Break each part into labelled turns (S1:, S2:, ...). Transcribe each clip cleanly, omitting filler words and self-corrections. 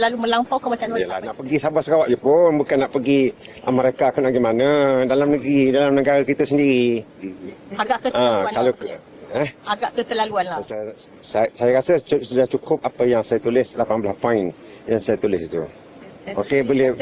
S1: Lalu melampau ke macam mana?
S2: Yalah, nak pergi Sabah Sarawak je pun, bukan nak pergi Amerika ke nak gimana, dalam negeri, dalam negara kita sendiri.
S1: Agak keterlaluan
S2: Kalau
S1: lah. Agak keterlaluan lah.
S2: saya rasa sudah cukup apa yang saya tulis, 18 poin yang saya tulis itu. Okey, boleh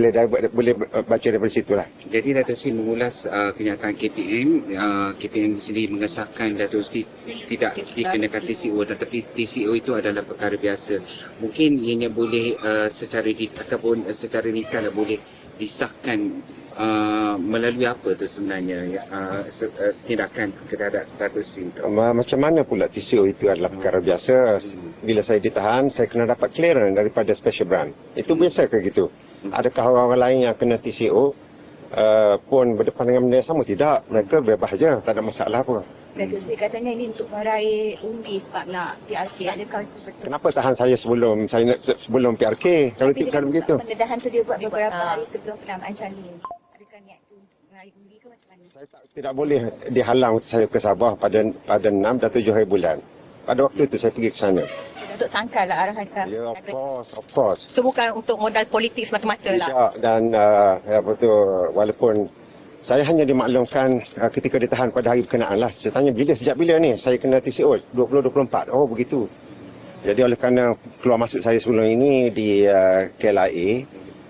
S2: baca daripada situ lah.
S3: Jadi Dato' Sri mengulas kenyataan KPM. KPM sendiri mengesahkan Dato' Sri tidak dikenakan TCO, tetapi TCO itu adalah perkara biasa. Mungkin ianya boleh secara detail boleh disahkan melalui apa tu sebenarnya tindakan terhadap Dato' Sri itu.
S2: Macam mana pula TCO itu adalah perkara biasa. Bila saya ditahan, saya kena dapat clearance daripada special branch. Itu biasa ke gitu? Adakah orang lain yang kena TCO pun berdepan dengan benda yang sama? Tidak, mereka bebas je, tak ada masalah apa.
S4: Dato' Sri katanya ini untuk meraih undi sebab nak PRK. Adakah itu betul?
S2: Kenapa tahan saya sebelum PRK? Kalau begitu.
S4: Pendedahan tu dia buat beberapa hari sebelum penamaan calon. Adakah niat tu meraih undi ke macam mana?
S2: Saya tidak boleh dihalang untuk saya ke Sabah pada 6 dan 7 hari bulan. Pada waktu itu saya pergi ke sana.
S4: Untuk sangkal lah arahan ke?
S2: Ya, of course.
S1: Itu bukan untuk modal politik semata-mata lah.
S2: Tidak, dan walaupun saya hanya dimaklumkan ketika ditahan pada hari berkenaan lah. Saya tanya sejak bila ni saya kena TCO? 2024. Oh begitu. Jadi oleh kerana keluar masuk saya sebelum ini di KLIA,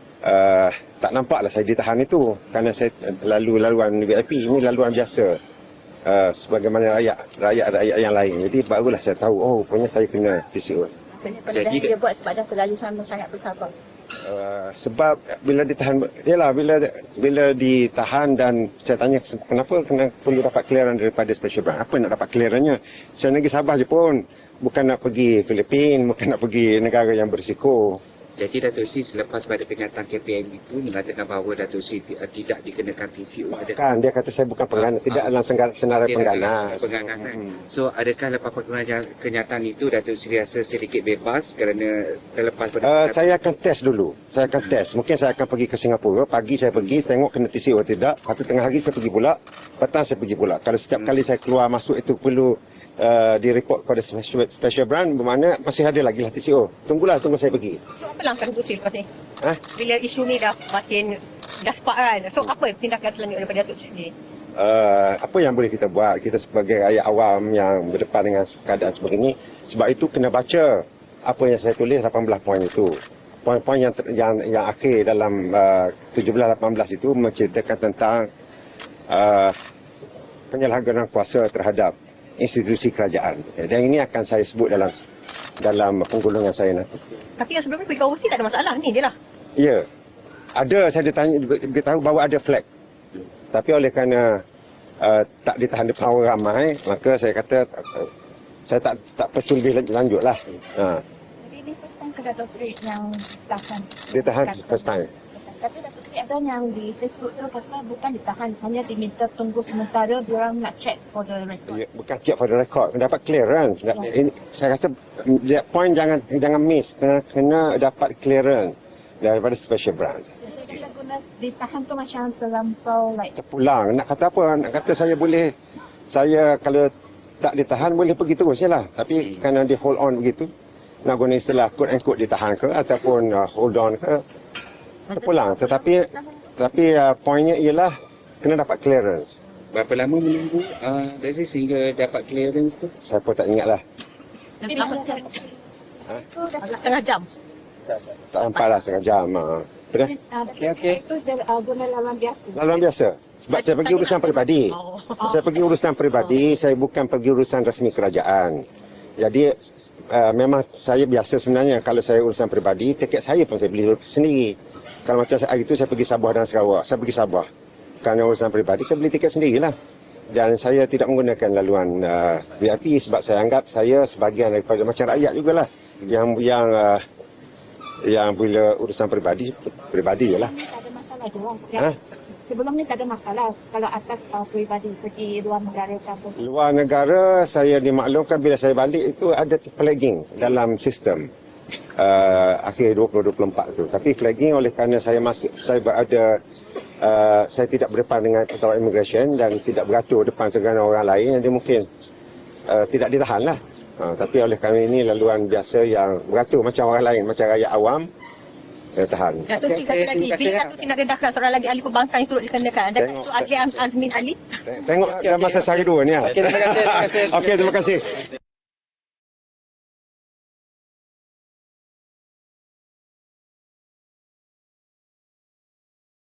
S2: tak nampaklah saya ditahan itu. Kerana saya laluan VIP, ini laluan biasa. Sebagaimana rakyat yang lain. Jadi barulah saya tahu, oh rupanya saya kena TCO.
S4: Maksudnya pendedahan dia buat sebab dah terlalu sangat bersabar.
S2: Sebab bila ditahan, bila ditahan dan saya tanya kenapa perlu dapat clearance daripada special branch, apa nak dapat clearance-nya? Saya negeri Sabah je pun, bukan nak pergi Filipin, bukan nak pergi negara yang berisiko.
S3: Jadi Dato' Sri selepas pada kenyataan KPM itu mengatakan bahawa Dato' Sri tidak dikenakan TCO.
S2: Bukan, dia kata saya bukan penggana, tidak dalam senarai pengganas.
S3: So adakah lepas kenyataan itu Dato' Sri rasa sedikit bebas kerana terlepas pada
S2: saya akan test dulu. Mungkin saya akan pergi ke Singapura. Pagi saya pergi, saya tengok kena TCO atau tidak. Tapi tengah hari saya pergi pula, petang saya pergi pula. Kalau setiap kali saya keluar masuk itu perlu direport kepada special branch, bermakna masih ada lagi lah TCO. Tunggu saya pergi.
S1: So apa langkah Dato' Sri lepas ni? Bila isu ni dah makin spark kan? So apa tindakan selanjutnya daripada Dato' Sri sendiri?
S2: Apa yang boleh kita buat? Kita sebagai rakyat awam yang berdepan dengan keadaan seperti ini, sebab itu kena baca apa yang saya tulis 18 poin itu. Poin-poin yang akhir dalam 17-18 itu menceritakan tentang penyalahgunaan kuasa terhadap institusi kerajaan. Dan ini akan saya sebut dalam penggulungan saya nanti.
S1: Tapi yang sebelum ni pergi overseas tak ada masalah, ni je lah.
S2: Ya. Ada, saya beritahu bahawa ada flag. Tapi oleh kerana tak ditahan depan orang ramai, maka saya kata saya tak perlu lebih lanjut lah.
S4: Jadi ini first time ke Dato' Sri yang
S2: Ditahan first time.
S4: Tapi Dato' Sri ada yang di Facebook tu kata bukan ditahan, hanya diminta tunggu sementara diorang nak check for the record.
S2: Ya, bukan check for the record, dapat clearance. Ini, saya rasa point jangan miss, kena dapat clearance daripada special branch.
S4: Jadi kita guna ditahan tu macam terlampau
S2: terpulang. Nak kata apa? Nak kata saya kalau tak ditahan boleh pergi terus je lah. Tapi kerana dia hold on begitu, nak guna istilah quote and quote ditahan ke ataupun hold on ke, terpulang. Tetapi poinnya ialah kena dapat clearance.
S3: Berapa lama menunggu sehingga dapat clearance tu?
S2: Saya pun tak ingat lah.
S1: Setengah jam.
S2: Tak sampai lah setengah jam.
S4: Okey. Itu guna laluan biasa.
S2: Laluan biasa. Sebab saya pergi urusan peribadi. Saya pergi urusan peribadi, saya bukan pergi urusan rasmi kerajaan. Jadi memang saya biasa sebenarnya kalau saya urusan peribadi, tiket saya pun saya beli sendiri. Kalau macam hari itu saya pergi Sabah dan Sarawak, saya pergi Sabah. Kerana urusan peribadi, saya beli tiket sendirilah. Dan saya tidak menggunakan laluan VIP sebab saya anggap saya sebahagian daripada macam rakyat jugalah. Yang bila urusan peribadi je lah.
S4: Tak ada masalah dia. Sebelum ni tak ada masalah kalau atas peribadi pergi luar negara ke apa.
S2: Luar negara saya dimaklumkan bila saya balik itu ada flagging dalam sistem. Akhir 2024 tu. Tapi flagging oleh kerana saya tidak berdepan dengan pegawai immigration dan tidak beratur depan segala orang lain, jadi mungkin tidak ditahan lah. Tapi oleh kami ini laluan biasa yang beratur macam orang lain, macam rakyat awam, tahan.
S1: Datuk Sri satu lagi. Bila Datuk Sri nak dedahkan seorang lagi ahli perbankan yang turut dikenakan. Datuk Sri Azli Azmin Ali.
S2: Tengok dalam masa sehari dua ni.
S5: Okey, terima kasih.
S2: Okey, terima kasih.